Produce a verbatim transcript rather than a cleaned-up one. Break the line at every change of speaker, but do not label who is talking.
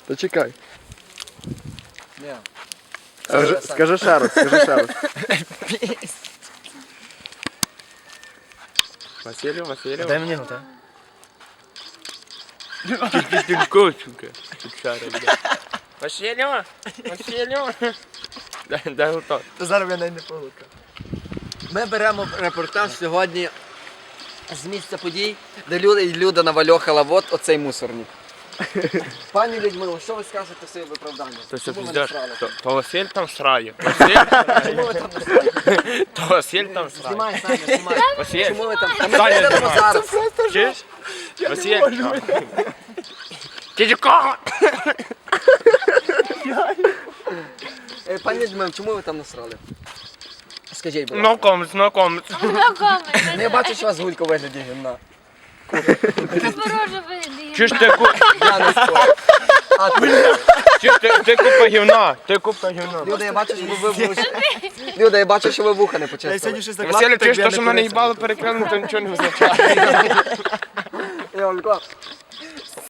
Та чекай.
Ні.
Скажи, скажи ще раз, скажи ще раз.
Василю, Василю.
Дай мені його, так?
Тільки Василю, Василю. Дай, дай готов.
То зараз я навіть не погукав. Ми беремо репортаж сьогодні з місця подій, де люди, Люда навальохала вот оцей мусорник. Пані Людмило, що ви скажете в своє виправдання?
То все
Чому ви
пиздеш.
насрали?
То, то Василь там срає. Василь,
Чому ви там насрали?
то Василь там срає.
Знімай, Саня, знімай.
Василь,
Чому ви там? Та ми
Саня,
підемо
знімай.
зараз.
Чуєш? Василь. Ти кого?
Е, Пані Людмило, чому ви там насрали? Скажіть, будь ласка.
No comments, no comments.
Ну, я бачу, що у вас гулька у вигляді гімна.
Подорожа виглядає.
Чуєш, ти, ку...
Я не спорю. А ти?
Чуєш, ти, ти купа гівна, ти купа гівна.
Люда, я бачу, що ви вуха. Люда, я бачу, що ви вуха не почистили.
Василь, чуєш, то, що в мене їбало перекрили, то нічого не означає.
Я вам кажу,